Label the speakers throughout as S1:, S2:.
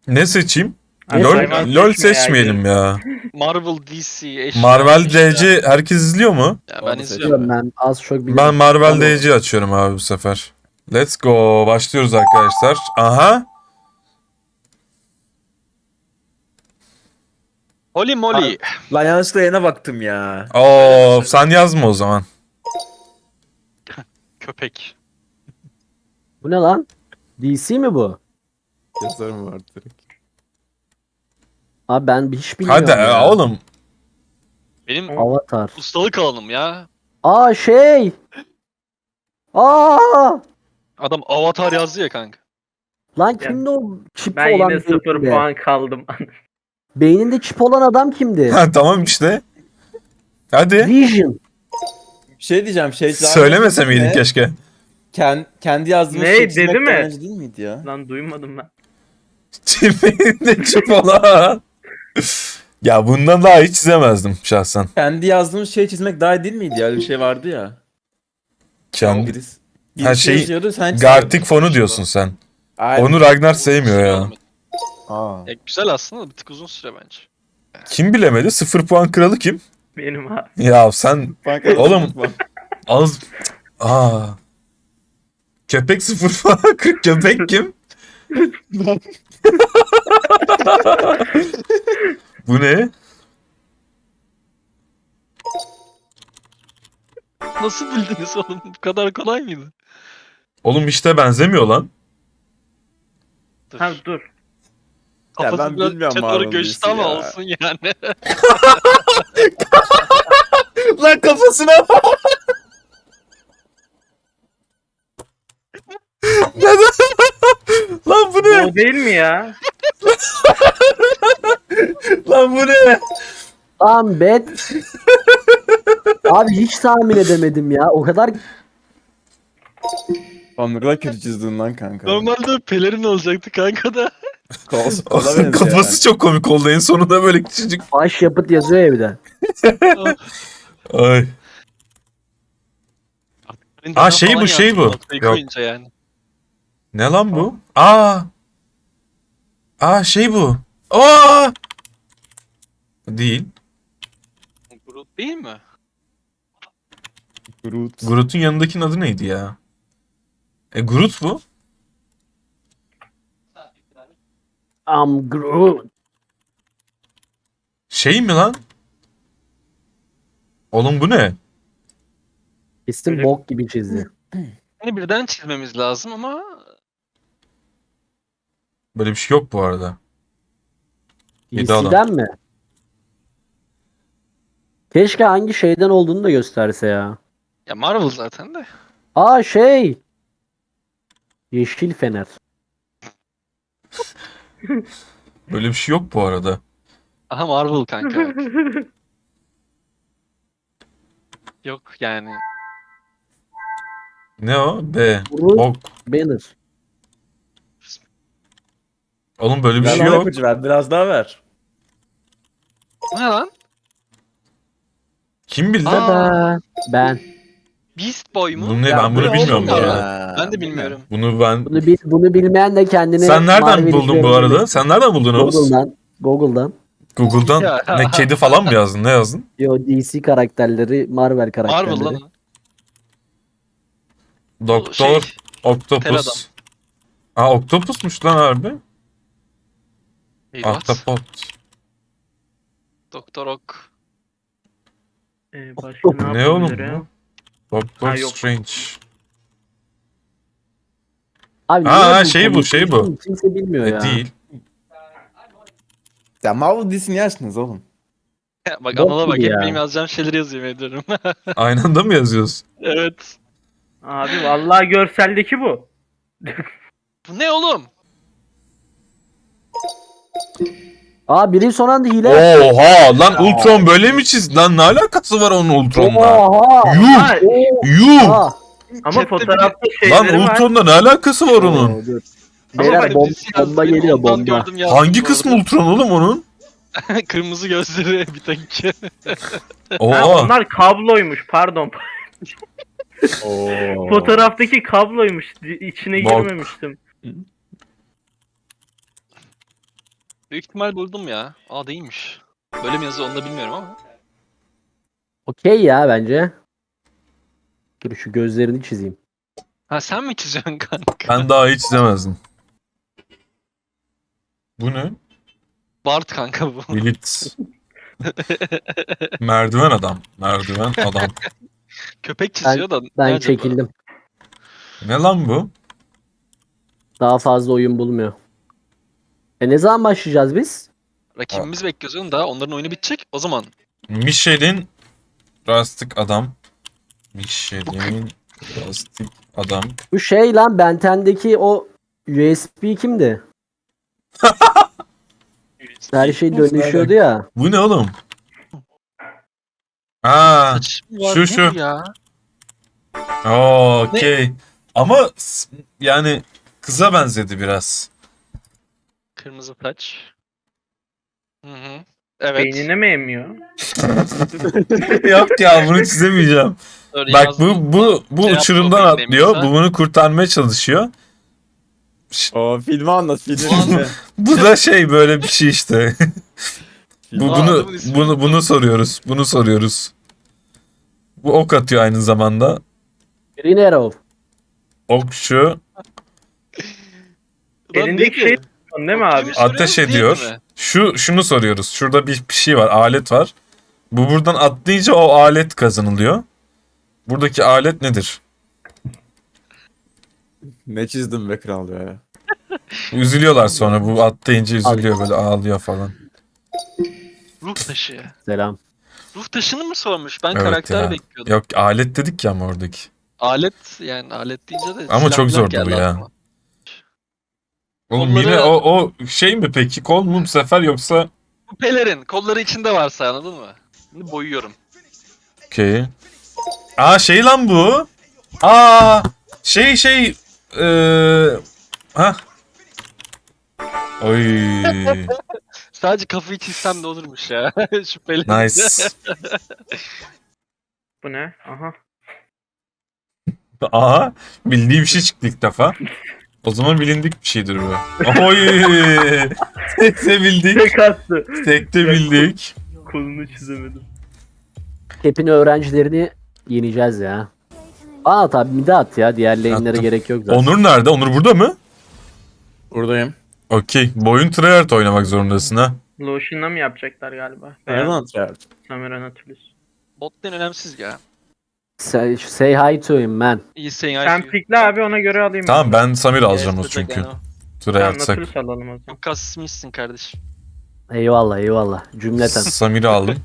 S1: Ne seçeyim?
S2: Abi,
S1: LOL,
S2: hayvan
S1: LOL
S2: seçme ya,
S1: seçmeyelim ya.
S3: Marvel, DC, eşya.
S1: Marvel
S3: eşya.
S1: DC herkes izliyor mu?
S3: Ya ben
S4: Onu
S3: izliyorum.
S2: Biliyorum ben az çok bilirim.
S1: Ben Marvel
S2: Tamam.
S1: DC açıyorum abi bu sefer. Let's go. Başlıyoruz arkadaşlar. Aha.
S3: Holy moly.
S4: Lan yanlışlıkla yerine baktım ya.
S1: Oo, sen yazma o zaman.
S3: Köpek.
S2: Bu ne lan? DC mi bu?
S4: Yazarım var direkt.
S2: Abi ben hiç bilmiyorum
S1: Hadi
S2: ya.
S1: oğlum.
S3: Benim
S2: Avatar.
S3: ustalık alanım ya.
S2: Aa şey. Aa!
S3: Adam Avatar yazdı ya kanka.
S2: Lan kimdi o çip
S5: Ben
S2: olan
S5: yine 0
S2: beyninde?
S5: puan kaldım.
S2: Beyninde çip olan adam kimdi?
S1: Ha, tamam işte. Hadi.
S2: Vision.
S4: Bir şey diyeceğim şey.
S1: Söylemese miydin keşke?
S4: Kendi yazdığımız
S5: Ne,
S4: şey
S5: dedi
S4: çizmek
S5: mi?
S4: daha önce değil miydi ya?
S5: Lan duymadım ben.
S1: Çipinde çip olan. Ya bundan daha iyi çizemezdim şahsen.
S4: Kendi yazdığımız şey çizmek daha iyi değil miydi ya? Öyle bir şey vardı ya.
S1: Kendi.
S4: Birisi
S1: Her şey
S4: yazıyordu, sen çiziyordun.
S1: Gartic fonu diyorsun sen.
S4: Aynen.
S1: Onu Ragnar sevmiyor ya.
S4: Aa.
S3: Ya güzel aslında, bir tık uzun süre bence.
S1: Kim bilemedi? 0 puan kralı kim?
S5: Benim abi.
S1: Ya sen
S4: Banka-
S1: Oğlum. az... Aa. Köpek 0 puan. Köpek kim? Bu ne?
S3: Nasıl bildiniz oğlum? Bu kadar kolay mıydı?
S1: Oğlum işte benzemiyor lan.
S3: Dur.
S5: Ha dur.
S4: Ya
S3: Kafası
S4: ben
S3: biraz
S4: bilmiyorum
S3: içe doğru
S4: Marvel
S3: göçtü
S4: dizisi
S3: ama
S4: ya.
S3: olsun yani.
S1: Lan kafasına Lan bu ne?
S5: O değil mi ya?
S1: Lan bu ne?
S2: Lan bet. Abi hiç tahmin edemedim ya. O kadar
S4: Oğlum ne kadar kötü çizdin lan kanka.
S3: Normalde pelerin olacaktı kanka da.
S4: Kola benziyor
S1: Kafası çok komik oldu en sonunda böyle küçücük.
S2: baş yapıt yazıyor ya bir de.
S1: Ay. Aa, şey bu, şey bu.
S3: Noktayı
S1: Yok.
S3: koyunca yani.
S1: Ne lan bu? Aa. Aa, şey bu. Aa. Değil.
S3: Groot değil mi?
S4: Groot.
S1: Groot'un yanındakinin adı neydi ya? Groot bu.
S2: Groot.
S1: Şey mi lan? Oğlum bu ne?
S2: Kesin
S5: Öyle-
S2: bok gibi çizdi.
S3: Hani birden çizmemiz lazım ama
S1: Böyle bir şey yok bu arada. Yedi adam.
S2: DC'den mi? Keşke hangi şeyden olduğunu da gösterse ya.
S3: ya Marvel zaten de.
S2: Aa şey. Yeşil Fener.
S1: Böyle bir şey yok bu arada.
S3: Aha Marvel kanka. Yok yani.
S1: Ne o? B.
S2: Groot
S1: Bok.
S2: Banner.
S1: Oğlum böyle bir
S4: Biraz
S1: şey
S4: daha
S1: yok.
S4: ipucu ver, biraz daha ver.
S3: Bu ne lan?
S1: Kim bildi?
S3: Aa.
S2: Tada. Ben.
S3: Beast Boy mu?
S1: Bunu ne?
S4: Ya
S1: Ben
S4: bu
S1: bunu
S4: ne
S1: bilmiyorum
S4: oğlum
S1: bu
S4: ya?
S1: arada.
S3: Ben de bilmiyorum.
S1: Bunu
S2: Bilmeyen de kendini
S1: sen nereden
S2: Marvel
S1: buldun bu
S2: izleyebilir.
S1: arada? Sen nereden buldun Oğuz?
S2: Google'dan.
S3: Ya.
S1: Google'dan. Ne, kedi falan mı yazdın? Ne yazdın?
S2: Yo DC karakterleri, Marvel karakterleri.
S3: Marvel lan. o.
S1: Doktor
S3: Şey, tel adam.
S1: Octopus. Aa, Octopus'muş lan harbi.
S3: Eyvah.
S1: Ahtapot.
S3: Doktor Ok.
S5: Başka
S1: Ne
S5: yapabilir
S1: oğlum
S5: ya?
S1: bu? Doctor
S5: Ha, yok.
S1: Strange.
S2: Abi
S1: Aa,
S2: niye
S1: şey bu,
S2: konuyu
S1: şey bu.
S2: konuşuyorsun? Kimse bilmiyor ya.
S1: Değil.
S4: Ya Marvel dizisini yersiniz oğlum.
S3: Bak
S2: Bok
S3: Anıl'a bak.
S2: gibi
S3: Hep
S2: ya.
S3: benim yazacağım şeyleri yazıyor ediyorum.
S1: Aynı anda mı yazıyoruz?
S3: Evet.
S5: Abi vallahi görseldeki bu.
S3: Bu ne oğlum?
S2: Aa biri son anda hile.
S1: Oha lan, Ultron böyle mi çizdi? Lan ne alakası var onun Ultron'la?
S2: Oha.
S1: Yuh!
S5: Ha,
S1: Yuh!
S2: Oha.
S5: ama
S3: Chatte
S5: fotoğrafta
S1: Lan
S5: şeyleri var.
S1: Ultron'la ne alakası var onun?
S2: Oo, dur.
S3: Ama
S2: Beyler
S3: bak,
S2: bomba,
S3: birisi yazdı,
S2: bomba
S3: benim
S2: geliyor
S3: ondan
S2: bomba.
S3: gördüm yazdım
S1: Hangi
S3: bu
S1: kısmı
S3: arada.
S1: Ultron oğlum onun?
S3: Kırmızı gözleri bir tek.
S5: Ha,
S1: Oha.
S5: onlar kabloymuş pardon.
S4: Oo.
S5: Fotoğraftaki kabloymuş. İçine
S1: Bak.
S5: girmemiştim.
S3: Büyük ihtimal buldum ya. Aa değilmiş. Böyle mi yazıyor onu da bilmiyorum ama.
S2: Okey ya bence. Dur şu gözlerini çizeyim.
S3: Ha sen mi çiziyorsun kanka?
S1: Ben daha hiç izlemezdim. Bu ne?
S3: Bart kanka bu.
S1: Bilit. Merdiven adam. Merdiven adam.
S3: Köpek çiziyor da.
S2: Ben
S3: ne acaba?
S2: çekildim.
S1: Ne lan bu?
S2: Daha fazla oyun bulmuyor. Ne zaman başlayacağız biz?
S3: Rakibimiz bekliyoruz oğlum daha. Onların oyunu bitecek. O zaman.
S1: Michelin Rastik adam. Michelin Rastik adam.
S2: Bu şey lan Ben 10'deki o USB kimdi? Her şey dönüşüyordu ya.
S1: Bu ne oğlum? Aa,
S3: Saç mı var,
S1: şu,
S3: ne
S1: şu.
S3: bu ya?
S1: okey. Ama yani kıza benzedi biraz.
S3: Kırmızı saç. Hı hı. Evet.
S5: Beynine mi emiyor?
S1: Yok ya bunu çizemeyeceğim.
S3: Öyle
S1: Bak
S3: yazdım.
S1: bu
S3: Şey
S1: uçurumdan
S3: yaptı, o
S1: atlıyor.
S3: beklemiyorsa.
S1: Bu bunu kurtarmaya çalışıyor.
S4: O filmi anlat filmi.
S1: Bu da şey böyle bir şey işte.
S4: Film-
S3: adamın ismini
S1: Bunu soruyoruz. Bunu soruyoruz. Bu ok atıyor aynı zamanda.
S2: Green Arrow.
S1: Okçu
S3: Ulan
S5: Elindeki
S3: neydi?
S5: şey değil mi abi?
S3: Soruyoruz,
S1: ateş
S3: değil
S1: ediyor.
S3: mi?
S1: Şunu soruyoruz. Şurada bir şey var, alet var. Bu buradan atlayınca o alet kazanılıyor. Buradaki alet nedir?
S4: Ne çizdim be kral ya.
S1: Üzülüyorlar sonra. Bu atlayınca üzülüyor böyle ağlıyor falan.
S3: Ruh taşı.
S2: Selam.
S3: Ruh taşını mı sormuş? Ben
S1: Evet
S3: karakter
S1: ya.
S3: bekliyordum.
S1: Yok alet dedik ya ama oradaki.
S3: Alet yani alet deyince de
S1: Ama
S3: silah
S1: çok
S3: milah
S1: zordu
S3: geldi
S1: bu ya.
S3: aklıma.
S1: Oğlum
S3: Kolları-
S1: yine o şey mi peki? Kol mu bu sefer yoksa?
S3: Bu pelerin kolları içinde varsa anladın mı? Şimdi boyuyorum.
S1: Okey. Aa şey lan bu. Aa şey ha. Oy.
S3: Sadece kafayı çizsem de olurmuş ya. Şüpheli.
S1: Nice.
S5: Bu ne? Aha.
S1: Aha bildiği bir şey çıktı ilk defa. O zaman bilindik bir şeydir bu. Oy. Tekte bildik.
S5: Tek attı.
S1: Tekte bildik.
S5: Kolunu çizemedim.
S2: Hepin öğrencilerini yeneceğiz ya. Aa tabi mide at ya. Diğer lane'lere
S1: Attım.
S2: gerek yok zaten.
S1: Onur nerede? Onur burada mı?
S4: Buradayım.
S1: Okey. Boyun tryhard oynamak zorundasın ha.
S5: Lotion'la mı yapacaklar galiba?
S4: Nereden atıyor?
S5: Samira Nautilus.
S3: Bot lane önemsiz ya.
S2: Say hi to him man.
S3: İyi sayın
S5: Sen pikle abi ona göre alayım.
S1: Tamam ben Samir alacağım o çünkü.
S5: Tamam
S1: Tryhard'sak.
S5: Nautilus alalım o zaman.
S3: Çok kasmışsın kardeşim.
S2: Eyvallah eyvallah. Cümleten.
S1: Samir'i aldım.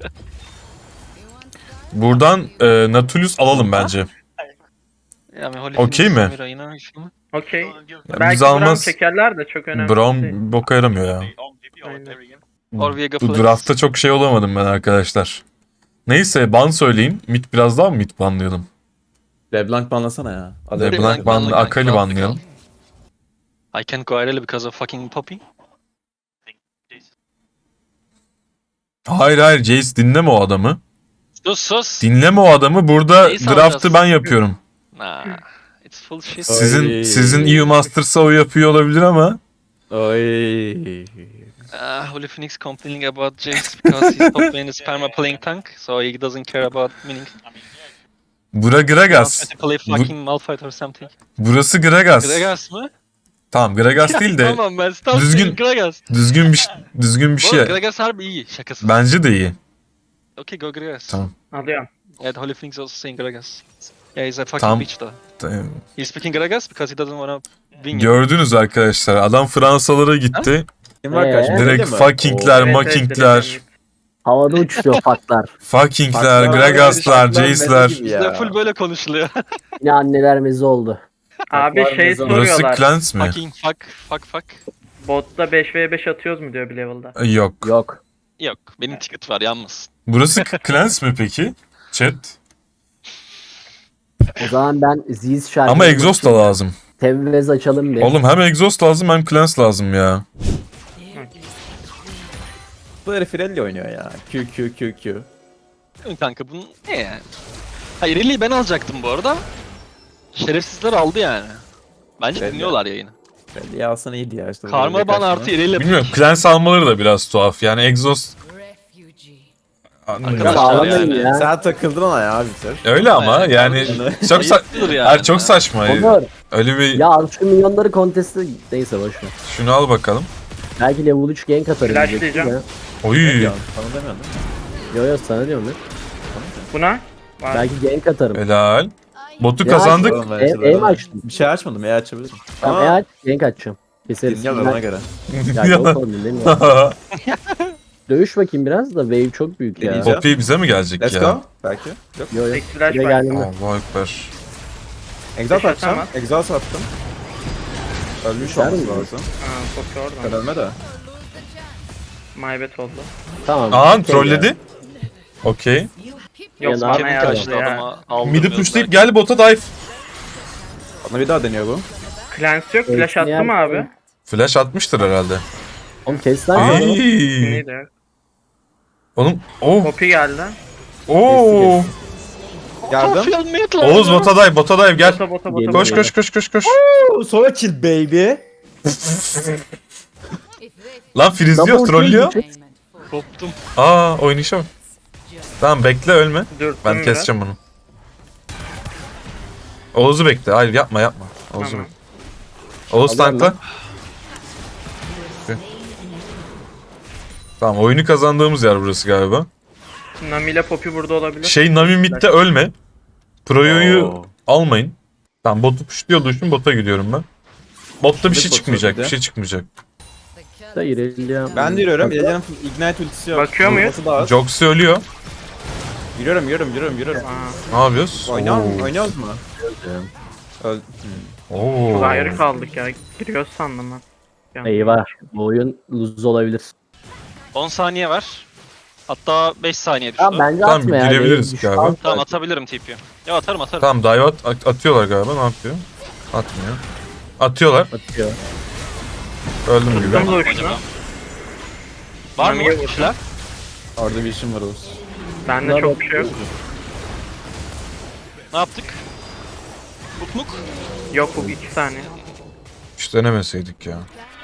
S1: Buradan Nautilus alalım bence.
S3: Yani Holy
S1: Okey
S3: Phoenix,
S1: mi?
S3: Samira yine şunu.
S5: Okey.
S1: Ya
S5: Belki
S1: biz
S5: Brown
S1: almaz.
S5: çekerler de çok önemli
S1: Brown
S5: değil.
S1: boka yaramıyor ya.
S5: Aynen.
S3: Or Viega
S1: Bu
S3: Flex.
S1: draftta çok şey olamadım ben arkadaşlar. Neyse ban söyleyin. Mid biraz daha mı mid banlayalım?
S4: LeBlanc banlasana ya. Hadi.
S1: LeBlanc
S3: LeBlanc
S1: banlı,
S3: banla
S1: Akali
S3: kanka.
S1: banlayalım.
S3: I can't go IRL because of fucking Poppy.
S1: Hayır Jace dinleme o adamı.
S3: Sus.
S1: Dinleme o adamı. Burada
S3: Jace
S1: draft'ı
S3: alacağız.
S1: ben yapıyorum.
S3: Nah. It's full shit.
S1: Sizin EU Masters'a o yapıyor olabilir ama.
S4: Oy.
S3: Holy Phoenix complaining about Jace because he's top lane is perma playing tank, so he doesn't care about winning.
S1: Bura Gragas.
S3: Wants me to play fucking Malphite or something.
S1: Burası Gragas.
S3: Gragas mı?
S1: Tamam Gragas değil de
S3: Tamam ben stop
S1: düzgün-
S3: saying Gragas.
S1: düzgün bir
S3: Bu arada
S1: şey.
S3: Gragas harbi iyi şakası.
S1: Bence de iyi.
S3: Okay go Gragas.
S1: Tamam.
S5: Alıyorum.
S3: Yeah, Holy Phoenix also saying Gragas. Yeah, he's a fucking
S1: Tamam.
S3: bitch though. He's speaking Gragas because he doesn't wanna win.
S1: Gördünüz arkadaşlar. Adam Fransalara gitti.
S4: Kim var karşımda?
S1: Direkt
S4: Öyle mi?
S1: fuckingler,
S4: Oo.
S5: Evet,
S1: makingler,
S5: evet,
S2: Havada uçuşuyor faklar.
S1: fuckingler,
S4: Fucklar,
S1: Gragaslar,
S4: fucklar
S1: Jace'ler.
S4: gibi
S3: Bizde full böyle konuşuluyor.
S2: Yine anneler mezi oldu.
S5: Abi
S4: Var
S5: şey
S4: ne zaman?
S1: Burası
S5: soruyorlar.
S1: Clans mi?
S3: Fucking fuck.
S5: Botta 5v5 atıyoruz mu diyor bir level'da.
S1: Yok.
S2: Yok.
S3: Yok benim ticket var yanmasın.
S1: Burası Clans mi peki? Chat.
S2: O zaman ben Ziz şarkı.
S1: Ama exhaust da lazım.
S2: Tevvez açalım bir.
S1: Oğlum hem exhaust lazım hem Clans lazım ya.
S4: Bu herif Rally oynuyor ya. Q.
S3: Kanka bunun ne yani? Hayır Riley'i ben alacaktım bu arada. Şerefsizler aldı yani. Bence
S4: Belli.
S3: dinliyorlar yayını.
S4: Friendly alsana iyiydi ya işte.
S3: Karma ban artı ileri.
S1: Bilmiyorum. Cleanse almaları da biraz tuhaf. Yani Exhaust...
S3: Arkadaşlar
S2: Sağlamayın
S3: yani.
S2: ya.
S4: Sen takıldın ona ya bir tür.
S1: Öyle ama yani çok
S3: Ayıptır yani.
S1: Hayır, çok saçma.
S2: Onur.
S1: Öyle bir
S2: Ya al şu milyonları kontesti neyse boşver.
S1: şunu al bakalım.
S2: Belki level 3 gank atarım.
S5: Flash
S2: diyecektim
S5: diyeceğim.
S2: ya.
S1: Oy.
S4: Ya, sana demiyordum.
S2: Yo sana diyorum ya.
S5: Buna? Var.
S2: Belki gank atarım.
S1: Helal. Botu
S2: Ya,
S1: kazandık.
S4: Oğlum, ben
S2: E
S4: açıldım.
S2: açtım.
S4: Bir şey açmadım ya açabilirim.
S2: Tamam
S4: Ama
S2: aç gank açacağım. Keseriz.
S4: dinliyorum ona göre.
S2: Ya yok oğlum değil mi ya? Dövüş bakayım biraz da wave çok büyük ya.
S4: Deneyeceğim.
S1: Poppy bize mi gelecek
S4: Let's
S1: ya?
S4: go. Belki. Yok.
S2: Yo yo.
S5: Tek flash
S2: Buraya
S5: var.
S2: geldiğinde.
S1: Allahu ekber.
S4: Exhaust
S5: Beş
S4: atacağım.
S5: atamaz.
S4: Exhaust attım. Ölmüş
S2: Ver
S4: olması
S2: mi?
S4: lazım.
S5: Ha, Poppy
S4: Ben
S5: oradan.
S4: ölme de.
S5: Maybet oldu.
S2: Tamam.
S1: Aa
S2: okey
S1: trolledi.
S2: ya.
S1: Okey.
S5: Yok
S2: Yani
S5: bana
S2: abi
S3: Kevin
S5: yazdı
S3: kaçtı
S5: ya.
S3: adama aldırmıyor.
S1: Midi pushlayıp gel bota dive.
S4: Bana bir daha deniyor bu.
S5: Clans yok. Flash
S2: Hepsini
S5: attı mı
S2: yaptım.
S5: abi?
S1: Flash atmıştır herhalde.
S2: Oğlum kes lan. şunu.
S1: Ayy.
S5: Neydi?
S1: Oğlum. Oh.
S5: Poppy geldi.
S1: Oo.
S4: Yardım.
S1: Oğuz bota dive, bota dive gel.
S5: Bota
S2: Geliyor.
S1: Koş koş koş koş koş.
S4: Sonra kill baby.
S1: Lan frizliyor,
S2: Double
S1: trollüyor.
S2: kill.
S3: Koptum.
S1: Aa oynayışa bak. Tamam bekle ölme.
S5: Dürttüm
S1: Ben
S5: biraz.
S1: keseceğim bunu. Oğuz'u bekle. Hayır yapma yapma. Oğuz'u
S5: Tamam.
S1: bekle. Oğuz
S2: Alıyorum
S1: tankla. Tamam oyunu kazandığımız yer burası galiba.
S5: Nami ile Poppy burada olabilir.
S1: Şey Nami midde ölme. Proyo'yu
S4: Oo.
S1: almayın. Tamam botu pushluyor düşün bota gidiyorum ben. Botta bir şey
S4: botu
S1: çıkmayacak,
S4: bir de.
S1: bir şey çıkmayacak.
S2: Da İrelia.
S4: Ben de yürüyorum. İleri'nin Ignite ultisi yok.
S5: Bakıyor muyuz?
S4: Vurması da az.
S1: Joxy ölüyor.
S4: Yürüyorum.
S5: Aa,
S1: Ne yapıyoruz?
S4: Oynuyoruz mu? Öl.
S1: Oo.
S5: çok ayrı kaldık ya. Giriyoruz sandım ben. Yani.
S2: Eyvah. Bu oyun lose olabilir.
S3: 10 saniye var. Hatta 5 saniye düştü.
S2: Tamam bence
S1: Tamam,
S2: atma ya.
S1: girebiliriz
S2: Düşman
S1: galiba.
S2: var.
S3: Tamam atabilirim TP'yi. Ya atarım.
S1: Tamam dive atıyorlar galiba ne yapıyor? Atmıyor. Atıyorlar.
S2: Atıyor.
S1: Öldüm gibi.
S5: Tuttum da uçtu.
S3: Acaba. Var mı
S5: Nami'ye
S3: kişiler?
S4: Orada bir işim var Oğuz.
S5: Bende çok bir şey yok.
S3: Ne yaptık? Mutmuk.
S5: Yok bu 2 saniye.
S1: Hiç denemeseydik ya.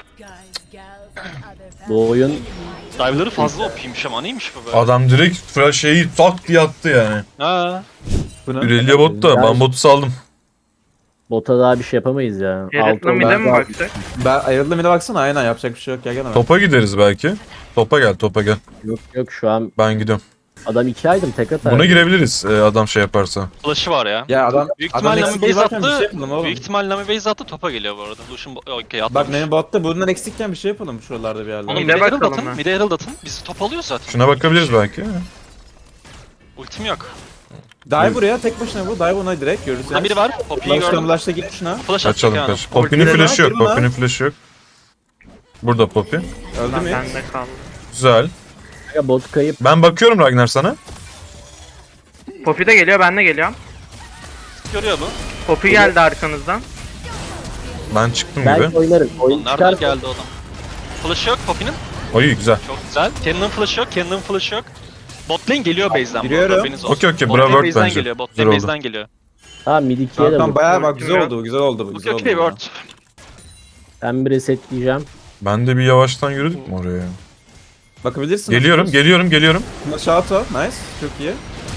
S2: Bu oyun
S3: Dive'ları fazla OP'ymiş ama neymiş bu be?
S1: Adam direkt şeyi tak diye attı yani.
S3: Ha.
S1: Irelia bot da ben botu saldım.
S2: bota daha bir şey yapamayız ya.
S5: Jared'la
S2: Altı
S5: mid'e mi
S2: olmaz.
S5: baksak?
S4: Ben ayrıldım yine baksana aynen yapacak bir şey yok gel hemen.
S1: Topa gideriz belki. Topa gel.
S2: Yok yok şu an
S1: Ben gidiyorum.
S2: adam 2 aydım tek atar.
S1: Buna girebiliriz adam şey yaparsa.
S3: Flash'ı var ya.
S4: Ya adam
S3: Büyük
S4: adam
S3: ihtimalle
S4: eksik
S3: Nami base
S4: varken bir şey
S3: attı.
S4: yapalım oğlum.
S3: Büyük ihtimalle Nami base attı topa geliyor bu arada. Lucian okey
S4: Bak
S3: atlamış.
S4: benim botta bundan eksikken bir şey yapalım şuralarda bir yerlerde.
S3: Oğlum
S5: Mid'e
S3: mide herald
S5: bakalım
S3: atın.
S5: ben.
S3: Mide herald atın. Biz top alıyoruz zaten.
S1: Şuna bakabiliriz belki.
S3: Ultim yok.
S4: Dive buraya tek başına bu. Dive ona direkt görürüz.
S3: Ha biri var. Poppy'yi gördüm.
S4: Flash'ta git şuna.
S3: Flash atacak
S1: Kaçalım
S3: yani.
S1: kaç. Poppy'nin
S5: Ultileri
S1: flash'ı yok.
S4: var, değil mi?
S1: Poppy'nin flash'ı yok. Burada Poppy.
S4: Öldü
S5: Lan
S4: mü?
S5: bende kaldı.
S1: Güzel.
S2: Ya bot kayıp.
S1: Ben bakıyorum Ragnar sana.
S5: Poppy de geliyor ben de geliyorum.
S3: Görüyor bu.
S5: Poppy geldi arkanızdan.
S1: Ben çıktım gibi.
S2: Belki oynarım. Oyun
S3: Nereden
S2: çıkar.
S3: geldi o adam? Flash'ı yok Poppy'nin.
S1: Oy güzel.
S3: Çok güzel. Cannon'ın flash'ı yok. Cannon'ın flash'ı yok. Bot lane geliyor base'den. bu
S4: Giriyorum.
S3: arada, haberiniz olsun.
S1: Okey,
S3: Bot
S1: bravo
S3: lane
S1: Word
S3: base'den
S1: bence.
S3: geliyor. Bot
S1: Güzel
S3: lane
S1: oldu.
S3: base'den geliyor.
S2: Tamam mid 2'ye de
S4: Tamam
S2: vur.
S4: bayağı bak
S5: Ultim
S4: güzel
S5: yok.
S4: oldu güzel oldu bu
S3: Okey
S4: güzel oldu.
S3: okey
S4: ya.
S3: word.
S2: Ben bir resetleyeceğim.
S1: Ben de bir yavaştan yürüdük mü oraya?
S4: Bakabilirsin.
S1: Geliyorum.
S4: Shout out nice çok iyi.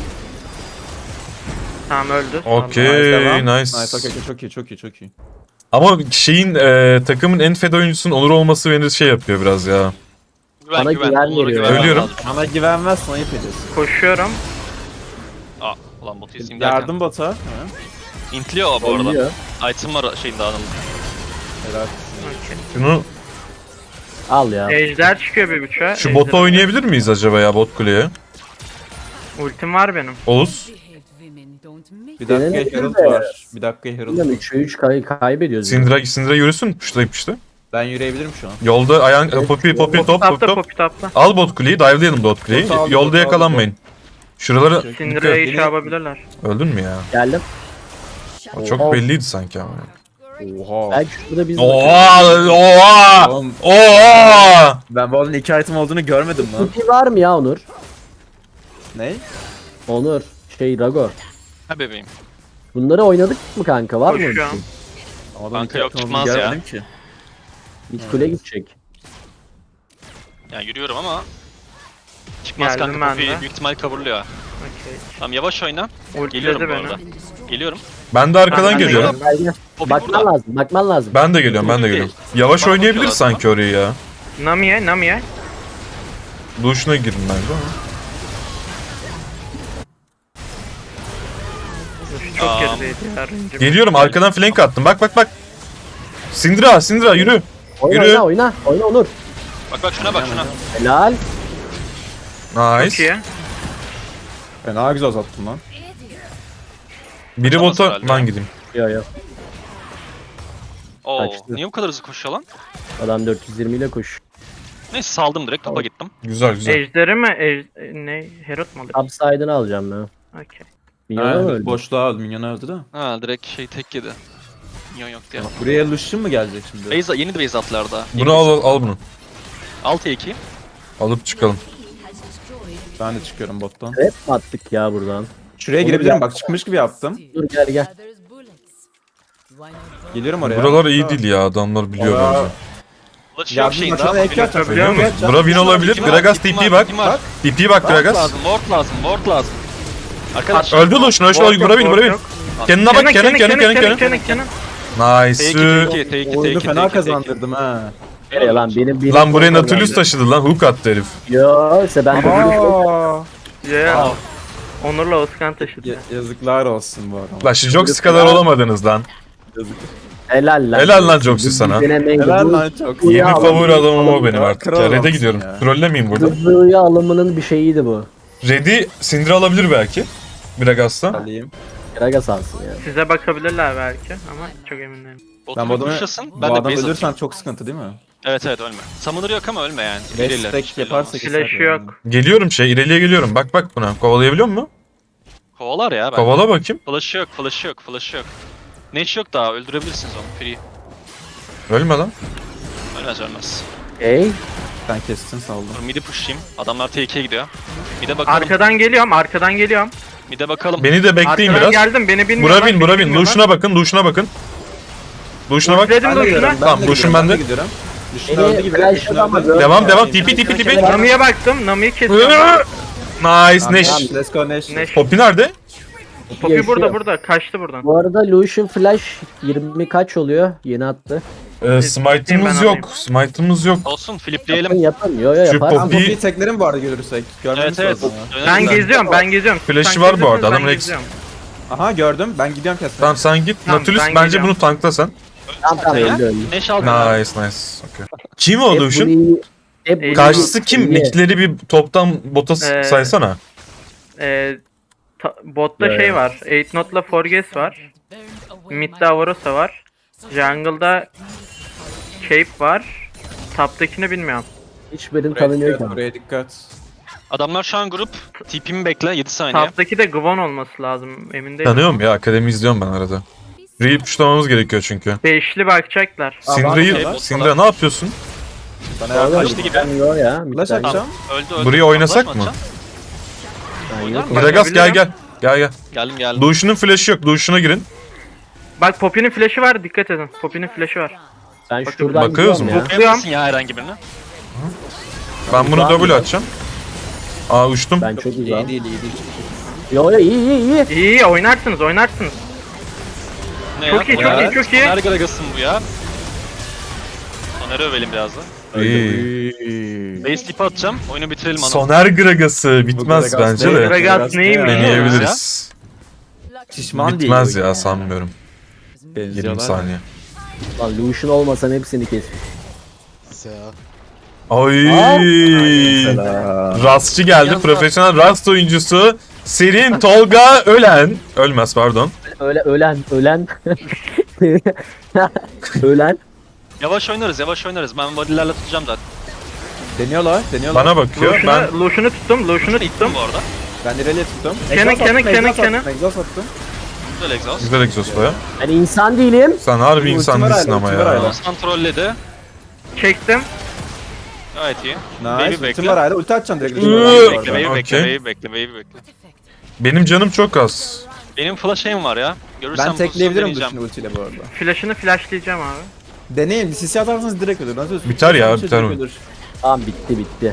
S5: Tamam öldü.
S1: Okey,
S4: devam.
S1: nice.
S4: Nice okey çok iyi.
S1: Ama şeyin takımın en fed oyuncusunun Onur olması beni şey yapıyor biraz ya.
S3: Güven
S2: Bana
S3: güven.
S2: güven
S3: Onlara
S2: veriyor.
S3: güven
S1: Ölüyorum.
S3: lazım.
S4: Bana güvenmezsen ayıp ediyorsun.
S5: Koşuyorum.
S3: Aa ulan botu izleyeyim derken.
S4: Yardım bota. Ha?
S3: İntliyor o bu arada.
S2: Oynuyor.
S3: Item var şeyinde Anıl'ın.
S4: Helal.
S5: Okey.
S1: Şunu
S2: Al ya.
S5: Ejder çıkıyor bir buçuğa.
S1: şu bota oynayabilir miyiz acaba ya bot kuleye?
S5: Ultim var benim.
S1: Oğuz.
S4: Bir dakika
S2: Denenebilir
S4: Herald
S2: de.
S4: var. Bir dakika Herald.
S2: Bilmiyorum 3'e 3 kaybediyoruz. ya.
S1: Syndra yürüsün puşlayıp işte.
S4: Ben yürüyebilirim şu an.
S1: Yolda ayağın Poppy top
S5: Tapta
S1: top.
S5: Poppy tapta.
S1: Al bot kuleyi dive'layalım bot kuleyi.
S4: Bot aldım,
S1: Yolda
S4: bot
S1: yakalanmayın. Şuraları
S5: Syndra'yı
S4: Dikkat.
S5: şey yapabilirler.
S1: öldün mü ya?
S2: Geldim.
S1: O çok belliydi sanki ama.
S4: Oha.
S2: Belki şurada biz
S1: Oha!
S4: Oğlum,
S1: Oha!
S4: ben bu arada 2 item olduğunu görmedim lan.
S2: Ulti var mı ya Onur?
S4: Ne?
S2: Onur. Rago.
S3: Ha bebeğim.
S2: Bunları oynadık mı kanka? Var mı?
S5: Koşuyorum.
S4: Ama
S3: Kanka
S4: iki
S3: yok,
S4: item olduğunu
S3: çıkmaz ya.
S4: görmedim ki.
S2: Mid kule gidecek.
S3: Yani yürüyorum ama çıkmaz
S5: Geldim
S3: kanka,
S5: ben
S3: Poppy
S5: de.
S3: büyük ihtimal coverlıyor.
S5: Okey.
S3: Tamam yavaş oyna.
S5: Ultiledi
S3: Geliyorum bu
S5: beni.
S3: arada. Geliyorum.
S1: Ben de arkadan
S5: Ben de
S1: geliyorum.
S2: Gel, gel.
S3: Poppy
S2: Bakman
S3: burada.
S2: lazım, bakman lazım.
S1: Ben de geliyorum, ben de geliyorum. Yavaş
S3: Bana
S1: oynayabilir
S3: bakıyorlar
S1: sanki orayı ya.
S5: Nami'ye.
S1: Duşuna girin bence ama.
S5: Çok
S3: Aa.
S5: gerideydi ya. Ranger.
S1: Geliyorum, arkadan flank attım. Bak bak bak. Syndra yürü.
S2: Oyna
S1: Yürü.
S2: oyna. Oyna Onur.
S3: Bak şuna bak şuna.
S2: Helal.
S5: Çok
S1: Nice.
S5: iyi.
S4: Fena güzel uzattım lan.
S1: Biri
S3: Atamaz
S1: bota,
S3: herhalde.
S1: ben gideyim.
S2: Yo yo.
S3: Oo,
S2: Kaçtı.
S3: niye bu kadar hızlı koşuyor lan?
S2: Adam 420 ile koş.
S3: Neyse saldım direkt, topa gittim.
S1: Güzel güzel.
S5: Ejderi mi? Ne? Herald mı alır?
S2: Upside'ını alacağım ben.
S5: Okey.
S2: Minyona mı öldü?
S4: Boşluğa öldü, minyona öldü de.
S3: Ha direkt şey tek yedi. Minyon yok diye.
S4: Buraya Lucian mı gelecek şimdi?
S3: Base, yeni de base attılar daha.
S1: Bunu al bunu.
S3: 6-2.
S1: Alıp çıkalım.
S4: Ben de çıkıyorum bottan.
S2: Hep mi attık ya buradan?
S4: Şuraya girebilirim bak, çıkmış gibi yaptım.
S2: Dur gel.
S4: Geliyorum oraya.
S1: Buralar iyi değil ya, adamlar biliyor
S4: Oraya-
S1: bence.
S3: Flash
S4: Ya
S3: yok
S4: bir
S3: şeyin
S4: maçına
S3: daha.
S4: ek atacağım.
S1: Biliyor musun?
S4: Biliyor
S1: Bura win olabilir.
S3: Kim var?
S1: Gragas
S3: Kim
S1: TP
S3: var?
S1: bak.
S3: Kim var?
S1: TP bak
S3: Ward
S1: Gragas.
S3: lazım, ward lazım. Arkadaş.
S1: Öldü Lucian, öyle
S5: Ward yok,
S1: vura bin.
S5: ward yok.
S1: Kendine bak,
S5: Kenan.
S1: Nice.
S4: Oyunu fena kazandırdım ha.
S2: Nereye lan benim
S1: Lan buraya Nautilus taşıdı lan, hook attı herif.
S2: Yo ise ben de
S4: Aa,
S5: Ya. Onur'la Özkan taşıdı.
S4: yazıklar olsun bu arada.
S1: Lan şu Joxy kadar olamadınız lan.
S2: helal lan.
S1: Helal lan Joxy sana.
S4: Helal lan çok.
S2: Bu
S1: Yeni
S2: ya,
S1: favori
S2: alım-
S1: adamım o benim artık
S4: Kral
S1: ya. Red'e
S4: adamsın
S1: gidiyorum.
S4: ya.
S1: Trollemeyeyim burada.
S2: Hızlıya alımının bir şeyiydi bu.
S1: Red'i Syndra alabilir belki. Gragas'tan.
S4: Alayım.
S2: Gragas alsın ya.
S5: Size bakabilirler belki ama çok emin değilim.
S4: Ben bu adamı,
S3: Pushlasın.
S4: bu
S3: Ben de
S4: adam
S3: base
S4: ölürsen
S3: atayım.
S4: çok sıkıntı değil mi?
S3: Evet ölme. Summoner yok ama ölme yani.
S4: 5
S3: Verirler,
S4: stack
S3: hiç belli
S4: yaparsa
S3: olmaz.
S4: keser.
S5: Flash'ı yok.
S1: Geliyorum ileriye geliyorum. Bak bak buna. Kovalayabiliyor mu?
S3: Kovalar ya ben.
S1: Kovala bakayım.
S3: Flash yok. Neş yok daha, öldürebilirsiniz onu. Free.
S1: Ölme lan.
S3: Ölmez.
S2: Ey.
S4: Sen kestin saldım.
S3: Dur midi pushlayayım. Adamlar T2'ye gidiyor. Mid'e bakalım.
S5: Arkadan geliyorum.
S3: Mid'e bakalım.
S1: Beni de bekleyin
S5: Arkadan
S1: biraz.
S5: geldim, beni bilmiyorlar.
S1: Bura bin. Duşuna bakın. Duşuna bak.
S5: Ultiledim de uçuna.
S1: Tamam, Lucian bende.
S4: gidiyorum. Lucian öldü
S2: Beni
S4: gibi.
S2: flash adamı gör.
S1: Devam. TP.
S5: Nami'ye baktım, Nami'yi kesiyorum.
S1: Nice Neş.
S4: Tamam, let's go Neş.
S5: Neş.
S1: Poppy nerede?
S5: Poppy
S2: Yaşıyor.
S5: burada, kaçtı buradan.
S2: Bu arada Lucian Flash 20 kaç oluyor? Yeni attı.
S1: Smite'ımız
S5: Ben
S1: yok. Smite'ımız yok.
S3: Olsun, flipleyelim.
S2: Yapın. Yo
S1: Şu
S2: yapar.
S1: Poppy-
S4: Tamam, Poppy'yi teklerim bu arada görürsek. Görmemiz
S3: Evet.
S4: lazım ya.
S5: Ben
S3: Önemli.
S5: geziyorum.
S1: Flash'ı
S5: Sen
S1: var bu arada,
S5: geziyorsun,
S1: adamın
S5: ben
S1: ex-
S5: geziyorum.
S4: Aha gördüm. Ben gidiyorum kesmeye.
S1: Tamam sen git.
S5: Tamam,
S1: Nautilus
S5: ben
S1: bence
S5: gideceğim.
S1: bunu tankla sen.
S2: Tamam öldü.
S3: Neş al.
S1: Nice. Okay. Kim o Lucian?
S2: Hep
S1: Karşısı kim?
S2: Niye?
S1: Nickleri bir toptan bota
S5: Ee,
S1: saysana.
S5: Botta
S2: Ya,
S5: şey
S2: ya.
S5: var. 8 Note'la Forges var. Mid'de Avarosa var. Jungle'da Cape var. Top'takini bilmiyorum.
S2: Hiçbirinin tanımıyor ki.
S4: Buraya dikkat.
S3: Adamlar şu an grup. TP'mi bekle 7 saniye.
S5: Top'taki de Gvon olması lazım. Emin değilim.
S1: Tanıyorum ya, akademi izliyorum ben arada. Real puşlamamız gerekiyor çünkü.
S5: Beşli bakacaklar.
S1: Syndra ne yapıyorsun?
S4: Bana
S2: Vallahi
S4: yardım
S3: Kaçtı gibi.
S2: tanımıyor ya.
S4: Flash
S2: Midden-
S4: atacağım.
S3: Öldü.
S1: Buraya oynasak
S3: Flash
S1: mı?
S3: atacağım?
S2: Ben
S3: Oynar
S2: yok.
S3: mı?
S1: Gragas gel.
S3: Geldim.
S1: Duşunun flash'ı yok. Duşuna girin.
S5: Bak Poppy'nin flash'ı var, dikkat edin. Poppy'nin flash'ı var.
S2: Ben
S5: Bakın,
S2: şuradan
S1: bakıyoruz
S2: gidiyorum
S1: mu?
S2: ya.
S3: Yapmasın ya herhangi birini.
S1: Ben bunu
S2: Uzağım
S1: double
S2: ya.
S1: atacağım. Aa uçtum.
S2: Ben çok
S4: İyi
S2: uzağım.
S4: değil, iyi değil.
S2: Yo iyi.
S5: İyi oynarsınız.
S3: Ne
S5: Çok iyi, çok iyi.
S3: Soner Gragas'ın bu ya. Soner'i övelim biraz da.
S1: İyi.
S3: Base tip atacağım. Oyunu bitirelim ana.
S1: Soner Gragası bitmez
S4: Gragas
S1: bence
S4: değil.
S1: de.
S5: Gragas neymiş?
S1: Deneyebiliriz.
S4: Şişman değil.
S1: Bitmez
S4: bu
S1: ya sanmıyorum. 20
S4: Benziyorlar.
S1: saniye.
S2: Lan Lucian olmasan hepsini kes.
S1: Ay.
S4: Selam.
S1: Rastçı geldi.
S3: Biraz
S1: Profesyonel Rast oyuncusu. Serin Tolga Ölen. Ölmez pardon.
S2: Öyle ölen. Ölen.
S3: Yavaş oynarız. Ben vadillerle tutacağım zaten.
S4: Deniyorlar.
S1: Bana bakıyor. Ben
S5: Lucian'ı tuttum.
S3: İttim bu arada.
S4: Ben ileriye tuttum.
S5: Kenan.
S4: Exhaust attım.
S3: Güzel exhaust.
S1: güzel egzosta ya.
S2: Ben insan değilim.
S1: Sen harbi
S4: Ultim
S1: insan
S4: var
S1: değilsin
S4: hala,
S1: ama
S4: ultim var
S1: ya.
S4: hala.
S3: Aslan trolledi.
S5: Çektim.
S3: Gayet iyi.
S4: Nice.
S3: Baby
S4: Ultim
S3: bekle.
S4: var hala. Ulti atacağım direkt.
S3: Baby bekle.
S1: Okey.
S3: Baby bekle.
S1: Benim canım çok az.
S3: Benim flash aim var ya. Görürsem
S4: Ben
S3: pozisyon
S4: tekleyebilirim
S3: deneyeceğim.
S4: Lucian'ı ultiyle bu arada.
S5: Flash'ını flashlayacağım abi.
S4: Deneyin. CC atarsanız direkt ölür. Nasıl ölürsün?
S1: Biter ya,
S4: Direkt
S1: biter mi?
S4: ölür.
S2: Tamam bitti.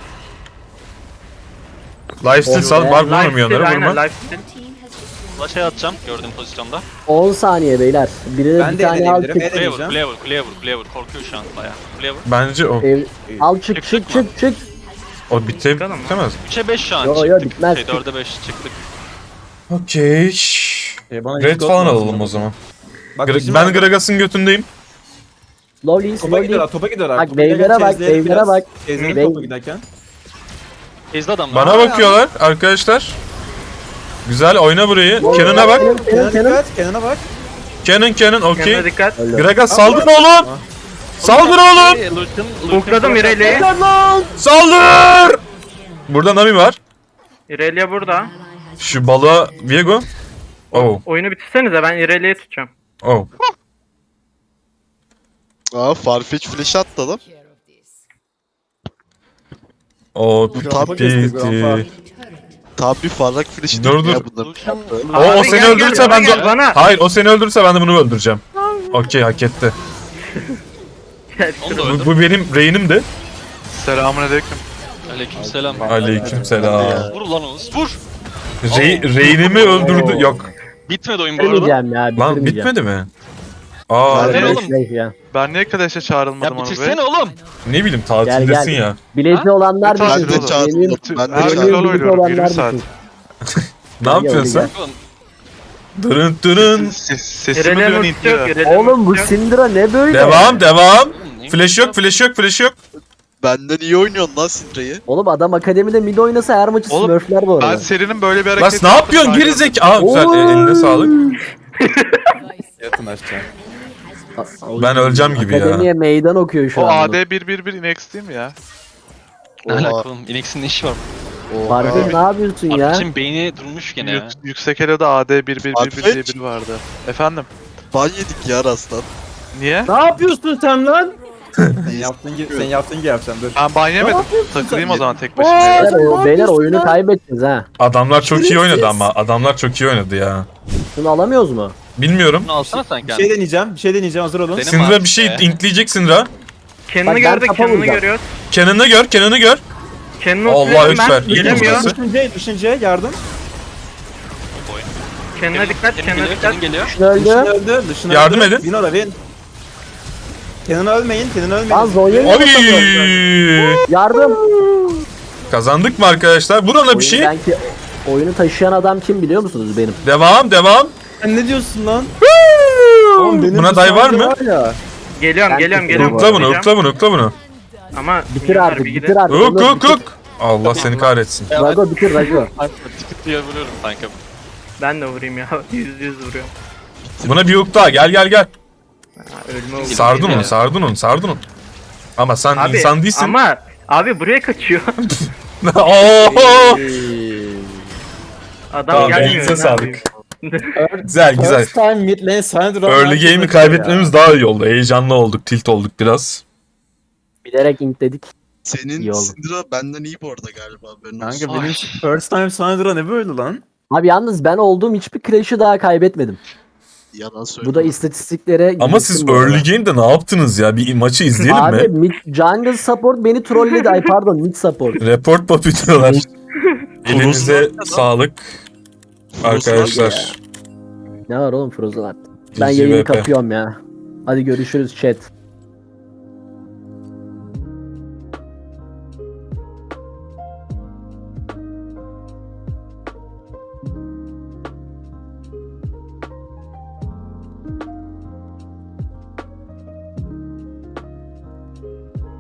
S1: Lifesteal sal. Var bunun
S5: Lifesteal,
S1: milyonları
S5: aynen
S1: vurma.
S5: lifesteal.
S3: Flash'a atacağım gördüğüm pozisyonda.
S2: 10 saniye beyler. Biri
S4: Ben
S2: bir
S4: de
S2: tane al
S4: deneyebilirim.
S2: çık.
S3: Kuleye vur,
S4: Deneyeceğim.
S3: kuleye vur. Korkuyor şu an bayağı. Kuleye vur.
S1: Bence o.
S2: Al çık.
S1: O
S5: Çıkalım mı?
S1: bitemez.
S3: 3'e 5 şu an
S2: Yo,
S3: çıktık.
S2: yo, bitmez.
S3: 4'e 5 çıktık.
S1: Okey.
S4: Bana
S1: Red
S4: hiç
S1: falan
S4: korkmaz
S1: alalım
S4: mı?
S1: o zaman.
S4: Bak,
S1: Ben Gragas'ın götündeyim.
S2: Slowly.
S4: Topa gidiyorlar.
S2: Bak,
S4: Topa giderken
S2: wave'lere bak,
S4: chase'leyelim
S2: wave'lere
S4: biraz.
S2: bak.
S4: Chase'leyelim
S2: Wave-
S4: topa giderken.
S3: Ezdi adamlar.
S1: Bana bakıyorlar arkadaşlar. Güzel oyna burayı. Cannon'a bak.
S4: Kenan'a dikkat. Kenan'a bak.
S1: Cannon
S5: Kendine
S1: okey.
S5: dikkat.
S1: Gragas saldır oğlum. Saldır oğlum.
S5: Hook'ladım Irelia'yı.
S1: Saldır. Burada Nami var.
S5: Irelia burada.
S1: Şu balığa Viego. Oh.
S5: Oyunu bitirsenize ben Irelia'yı tutacağım.
S1: Oh.
S6: Aa Farfetch flash attı adam.
S1: O
S4: Grandpa kesti, grandpa.
S1: piti.
S6: Tam bir farrak flash'i
S1: Dur,
S6: değil
S1: dur.
S6: ya bunların.
S1: O
S5: Abi
S1: seni
S5: gel,
S1: öldürürse
S5: gel,
S1: ben
S5: gel
S1: de...
S5: bana.
S1: Hayır o seni öldürürse ben de bunu öldüreceğim. Okey hak etti.
S3: Onu da
S1: Bu,
S3: öldüm.
S1: bu benim reynimdi.
S7: Selamünaleyküm.
S3: Aleykümselam.
S1: Aleykümselam.
S3: Vur ulan Oğuz vur.
S1: Reynimi öldürdü. Yok.
S3: Bitmedi oyun bu arada.
S2: Bitirmeyeceğim ya.
S1: Lan
S2: bitirmeyeceğim.
S1: bitmedi mi? Aa
S6: Lan
S3: ne oğlum?
S2: Ya.
S7: Ben niye Kadeş'e çağrılmadım
S3: Ya
S7: Anıl Bey?
S3: bitirsene oğlum.
S1: ne bileyim tatildesin
S2: Gel.
S1: ya.
S2: Bileti olanlar
S7: Tatil
S6: Ben de
S7: oğlum.
S6: çağırdım. Ben de
S7: Her gün
S6: çağırdım.
S7: LoL oynuyorum 20 saat.
S1: Ne yapıyorsun sen?
S3: Oğlum,
S1: Dırın dırın.
S7: Sesimi
S5: Irelia'nın
S7: duyan
S5: ultisi yok.
S7: intliyor.
S5: Irelia'nın
S2: Oğlum bu
S5: ultisi yok.
S2: Syndra ne böyle?
S1: Devam.
S3: oğlum, ne
S1: Flash yok flash yok.
S6: Benden iyi oynuyorsun lan Syndra'yı.
S2: Oğlum adam akademide mid oynasa her maçı
S7: Oğlum,
S2: smurfler bu
S7: Ben
S2: arada.
S7: serinin böyle bir
S1: Lan
S7: hareketi
S1: ne yapıyorsun gerizek? Aa güzel eline sağlık.
S4: Yatın aşağı.
S1: Ben öleceğim gibi ya.
S2: Akademiye meydan okuyor şu
S7: O
S2: an.
S7: AD 111 Inex değil mi ya?
S3: Ne
S6: Oha.
S3: alaka oğlum? Inex'in ne işi var?
S2: Farfetch ne yapıyorsun ya?
S3: Arkadaşın beyni durmuş gene ya.
S7: Yüksek Elo'da AD 111 diye
S6: Farfetch.
S7: biri vardı. Efendim?
S6: Ban yedik ya Rastan.
S7: Niye?
S4: Ne yapıyorsun sen lan? Sen yaptığın gibi yapacağım dur.
S7: Ben ban yemedim. Takılayım o zaman tek başıma.
S2: Beyler oyunu kaybettiniz ha.
S1: Adamlar çok iyi oynadı ama. Adamlar çok iyi oynadı ya.
S2: Şunu alamıyoruz mu?
S1: Bilmiyorum.
S3: Bunu alsana sen
S4: Bir
S3: kendin.
S4: şey deneyeceğim. Hazır olun.
S3: Dene.
S1: Syndra
S3: abi
S1: bir şey
S3: işte.
S1: intleyecek Syndra.
S5: Kendini
S2: Bak, ben
S5: gördük,
S2: kafa
S5: kendini
S2: vuracağım.
S5: görüyoruz.
S1: Canon'ı gör.
S5: Kendini
S1: Allahu
S5: ultiledim
S1: Ekber,
S5: ben.
S1: iyi
S5: Gelemiyor.
S1: vurması.
S4: Düşünce yardım.
S5: Kendine dikkat,
S3: Kenan
S5: kendine
S3: geliyor,
S5: dikkat.
S3: Kenan geliyor.
S2: Şunu
S4: Dışına
S2: öldü.
S4: öldü. Dışına
S1: Yardım
S4: öldü.
S1: edin.
S4: Win ora win. Kenan'ı ölmeyin.
S2: Lan Zonya'yı
S1: Oy!
S2: yardım.
S1: Kazandık mı arkadaşlar? Vur ona bir
S2: Oyunu
S1: şey.
S2: belki oyunu taşıyan adam kim biliyor musunuz benim?
S1: Devam.
S4: Sen ne diyorsun lan? Oğlum benim
S1: Buna day var mı?
S4: ya.
S5: Geliyorum,
S2: Ben
S5: geliyorum.
S1: Ukla bunu.
S5: Ama
S2: Bitir artık,
S5: bir
S2: bitir artık.
S1: Uk.
S2: Bitir.
S1: Allah seni kahretsin.
S2: Rago bitir Rago.
S3: Tıkıt diye vuruyorum kanka.
S5: Ben de vurayım ya. Yüz vuruyorum.
S1: Buna bir hook daha. Gel.
S5: Ha, ölme oldu.
S1: Sardın onu. Ama sen
S5: Abi,
S1: insan değilsin.
S5: ama abi buraya kaçıyor.
S1: Oo!
S5: Adam
S1: Tamam,
S5: gelmiyor.
S1: elinize
S5: ne
S1: sağlık.
S5: yapayım?
S1: Güzel.
S4: First time mid lane Syndra.
S1: Early game'i kaybetmemiz daha iyi oldu. Heyecanlı olduk. Tilt olduk biraz.
S2: Bilerek intledik.
S6: Senin
S2: İyi oldu.
S6: Syndra benden iyi bu arada galiba. Haberin olsun.
S4: Kanka benim first time Syndra ne böyle lan?
S2: Abi yalnız ben olduğum hiçbir crash'ı daha kaybetmedim.
S6: Yalan söyleme.
S2: Bu da istatistiklere
S1: Ama
S2: girsin
S1: siz
S2: bu arada.
S1: early game'de ne yaptınız ya? Bir maçı izleyelim
S2: Abi
S1: mi?
S2: jungle support beni trolledi. Ay pardon mid support.
S1: Report pop diyorlar. Elinize sağlık. Arkadaşlar.
S2: Ne var oğlum Frozen artık. Ben
S1: GG
S2: yayını
S1: VP.
S2: kapıyorum ya. Hadi görüşürüz chat.